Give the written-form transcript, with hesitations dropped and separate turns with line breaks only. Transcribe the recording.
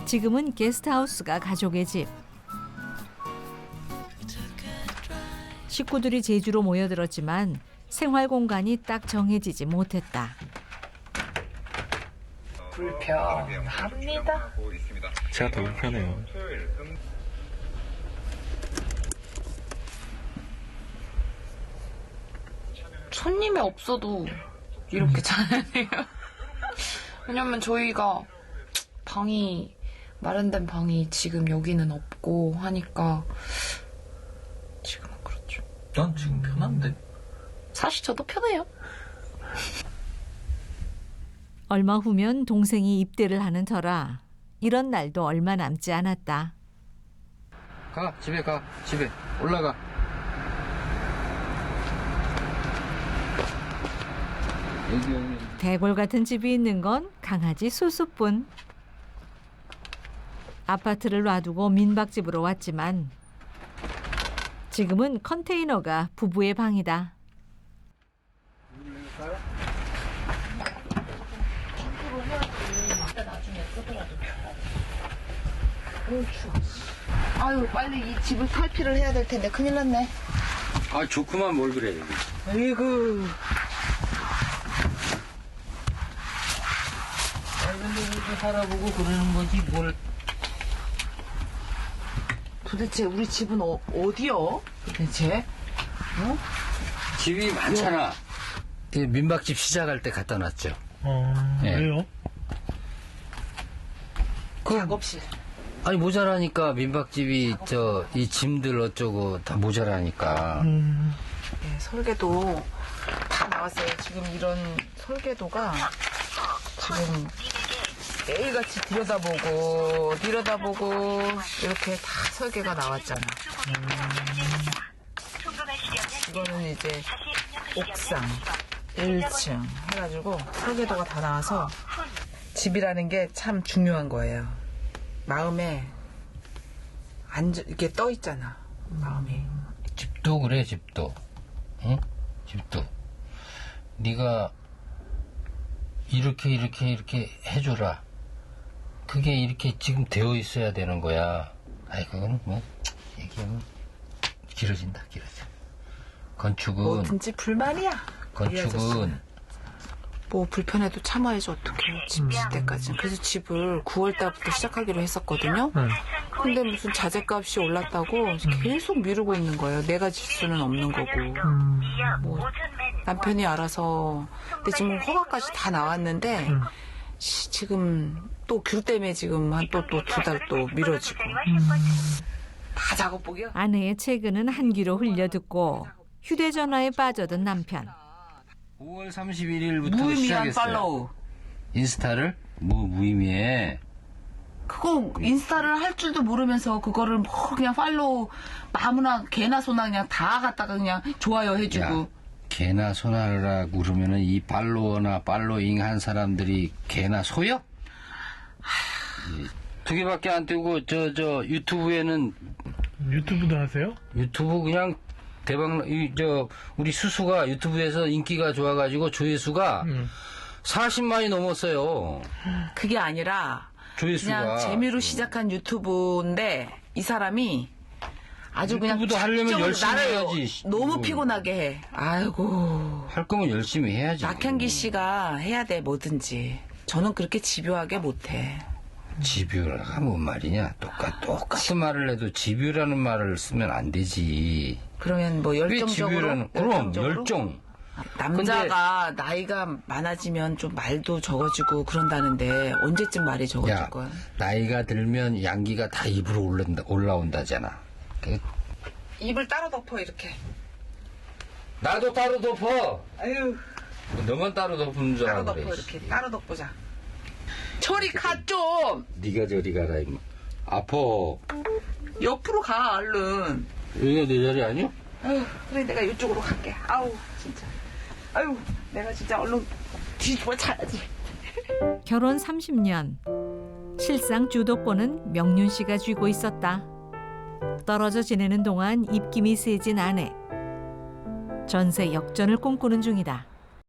지금은 게스트하우스가 가족의 집. 식구들이 제주로 모여들었지만 생활 공간이 딱 정해지지 못했다.
불편합니다.
제가 더 불편해요.
손님이 없어도 이렇게 자야 돼요. 왜냐면 저희가 마련된 방이 지금 여기는 없고 하니까 지금은 그렇죠.
난 지금 편한데.
사실 저도 편해요.
얼마 후면 동생이 입대를 하는 터라 이런 날도 얼마 남지 않았다.
집에 올라가. 여기.
대골 같은 집이 있는 건 강아지 수수뿐. 아파트를 놔두고 민박집으로 왔지만 지금은 컨테이너가 부부의 방이다.
아유, 빨리 이 집을 탈피를 해야 될 텐데 큰일 났네.
아, 좋구만 뭘 그래.
아이고.
근데 이렇게 살아보고 그러는 거지 뭘.
도대체 우리 집은 어디요? 도대체? 어?
집이 많잖아. 민박집 시작할 때 갖다 놨죠. 예.
왜요?
작업실.
아니 모자라니까 민박집이 이 짐들 어쩌고 다 모자라니까.
예, 설계도 다 나왔어요. 지금 이런 설계도가 지금 매일같이 들여다보고 이렇게 다 설계가 나왔잖아. 이거는 이제 옥상 1층 해가지고 설계도가 다 나와서 집이라는 게 참 중요한 거예요. 마음에 이렇게 떠 있잖아. 마음이.
집도 그래 집도. 응? 집도. 네가 이렇게 해줘라. 그게 이렇게 지금 되어 있어야 되는 거야. 아이 그거는 뭐 얘기하면 길어져. 건축은
뭐든지 불만이야.
건축은
뭐 불편해도 참아야지 어떡해. 집 질 때까지. 그래서 집을 9월 달부터 시작하기로 했었거든요. 근데 무슨 자재값이 올랐다고 계속 미루고 있는 거예요. 내가 질 수는 없는 거고. 뭐 남편이 알아서. 근데 지금 허가까지 다 나왔는데 지금 또 귤 때문에 지금 한 또 2달 또 미뤄지고. 다 작업복이요?
아내의 최근은 한 귀로 흘려 듣고 휴대전화에 빠져든 남편.
5월 31일부터
무의미한
시작했어요.
팔로우.
인스타를 무의미해.
그거 인스타를 할 줄도 모르면서 그거를 뭐 그냥 팔로우 아무나 개나 소나 그냥 다 갖다가 그냥 좋아요 해주고.
야, 개나 소나라 그러면은 이 팔로워나 팔로잉 한 사람들이 개나 소요? 두 개밖에 안 뜨고 저 유튜브에는
유튜브도 하세요?
유튜브 그냥 대박. 우리 수수가 유튜브에서 인기가 좋아가지고 조회수가 40만이 넘었어요.
그게 아니라
조회수가.
그냥 재미로 시작한 유튜브인데 이 사람이 아주 그냥
유튜브도 하려면
적극적으로
열심히
나를
해야지.
너무 피곤하게 해. 아이고.
할 거면 열심히 해야지.
박현기 씨가 해야 돼 뭐든지. 저는 그렇게 집요하게 못해.
집요가 뭔 말이냐? 똑같은 말을 해도 집요라는 말을 쓰면 안 되지.
그러면 뭐
왜
열정적으로.
집요라는? 그럼
열정적으로?
열정.
남자가 나이가 많아지면 좀 말도 적어지고 그런다는데 언제쯤 말이 적어질
야,
거야?
나이가 들면 양기가 다 입으로 올라온다잖아.
입을 따로 덮어 이렇게.
나도 따로 덮어.
아유.
너만 따로 덮는 줄
따로
알아
덮어
그래.
이렇게. 따로 덮보자. 저리 가 좀.
네가 저리 가라 임마. 아파.
옆으로 가 얼른.
여기가 내 자리 아니야?
아유, 그래 내가 이쪽으로 갈게. 아우 진짜. 아유 내가 진짜 얼른 뒤집어 차야지.
결혼 30년. 실상 주도권은 명륜 씨가 쥐고 있었다. 떨어져 지내는 동안 입김이 세진 아내. 전세 역전을 꿈꾸는 중이다.